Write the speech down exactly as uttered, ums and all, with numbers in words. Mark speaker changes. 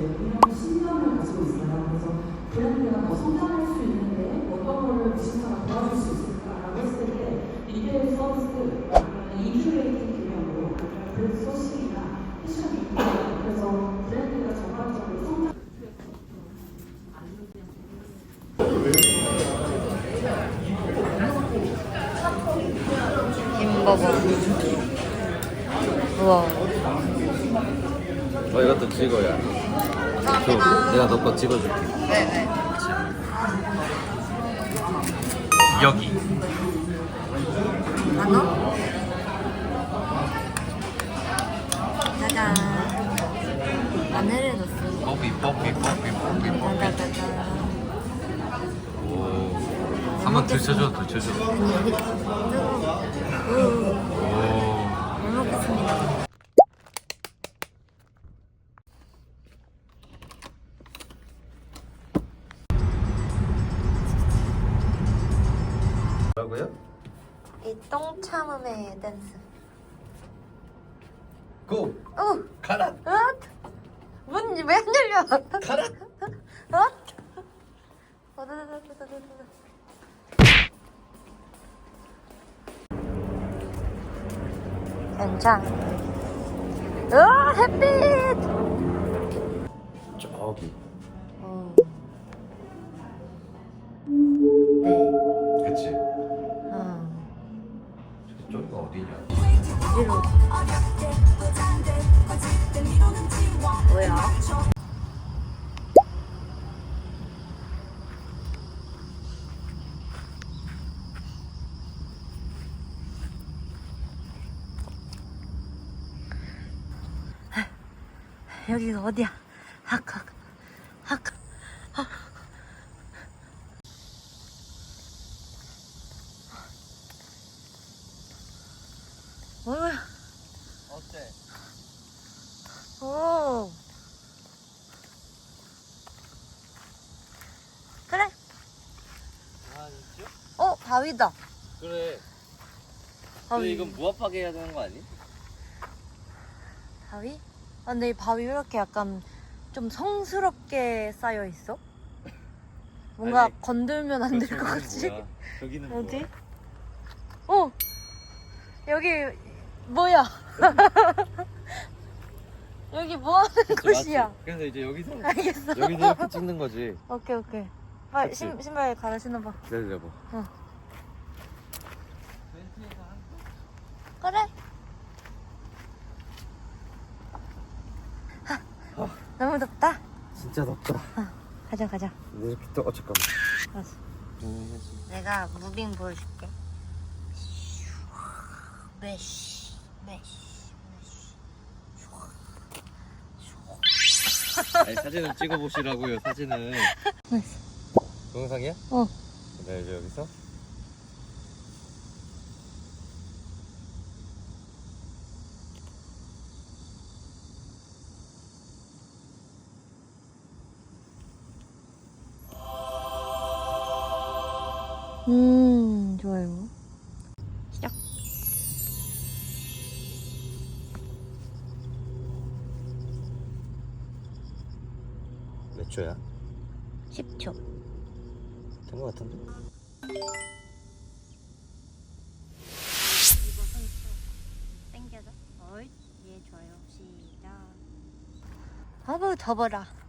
Speaker 1: 신념을 가지고 있어요. 그래서 브랜드가 더 성장할 수 있는데 어떤 거를 디지털가 도와줄 수 있을까라고 했을 때 리테일 서비스, 인큐레이팅 개념으로 브랜드 소식이나 패션 리테일, 그래서 브랜드가 전반적으로 성장.
Speaker 2: 김버거. 우와.
Speaker 3: 어, 이것도 찍어야.
Speaker 2: 감사합니다.
Speaker 3: 내가 너 거 찍어줄게.
Speaker 2: 네네.
Speaker 3: 여기.
Speaker 2: 만원? 짜잔. 마늘을 넣었어.
Speaker 3: 뽀삐 뽀삐 뽀삐 뽀삐 뽀삐.
Speaker 2: 짜자자자.
Speaker 3: 오. 한번 드셔줘, 드셔줘.
Speaker 2: 뜨거워.
Speaker 3: 오.
Speaker 2: 잘 먹겠습니다.
Speaker 3: 뭐라고요?
Speaker 2: 이 똥 참음의 댄스.
Speaker 3: 고!
Speaker 2: 오!
Speaker 3: 가라!
Speaker 2: 엇! 문 왜 안 열려?
Speaker 3: 가라!
Speaker 2: 엇! 어다다다다다다. 괜찮. 으아 햇빛.
Speaker 3: 저기.
Speaker 2: 어. 네.
Speaker 3: 그치?
Speaker 2: 어.
Speaker 3: 저기가 어디냐?
Speaker 2: 어디로? 뭐야? 여기가 어디야? 학학 학학 학. 뭐야?
Speaker 3: 어때?
Speaker 2: 오. 그래.
Speaker 3: 아, 진짜?
Speaker 2: 어 바위다.
Speaker 3: 그래.
Speaker 2: 바위.
Speaker 3: 근데 이건 무합하게 해야 되는 거 아니?
Speaker 2: 바위? 아, 근데 이 바위 왜 이렇게 약간 좀 성스럽게 쌓여 있어? 뭔가
Speaker 3: 아니,
Speaker 2: 건들면 안 될 것
Speaker 3: 저기는
Speaker 2: 같지?
Speaker 3: 뭐야? 저기는
Speaker 2: 어디?
Speaker 3: 뭐야?
Speaker 2: 어! 여기 뭐야? 여기 뭐 하는
Speaker 3: 그치,
Speaker 2: 곳이야?
Speaker 3: 맞지? 그래서 이제 여기서
Speaker 2: 알겠어.
Speaker 3: 여기서 이렇게 찍는 거지.
Speaker 2: 오케이 오케이. 아,
Speaker 3: 그치?
Speaker 2: 신, 신발 갈아 신어봐.
Speaker 3: 기다려봐.
Speaker 2: 어. 그래. 하, 너무 덥다.
Speaker 3: 진짜 덥다.
Speaker 2: 어, 가자 가자.
Speaker 3: 이렇게 또 어, 잠깐만.
Speaker 2: 알았어.
Speaker 3: 음,
Speaker 2: 내가 무빙 보여줄게. 메쉬, 메쉬, 메쉬.
Speaker 3: 아니, 사진을 찍어보시라고요. 사진을. 동영상이야?
Speaker 2: 어.
Speaker 3: 네, 이제 여기서.
Speaker 2: 음, 좋아요. 시작.
Speaker 3: 몇 초야?
Speaker 2: 십 초.
Speaker 3: 된 거 같은데?
Speaker 2: 이거 손수 땡겨줘. 어이, 예, 좋아요. 시작. 아우, 더워라.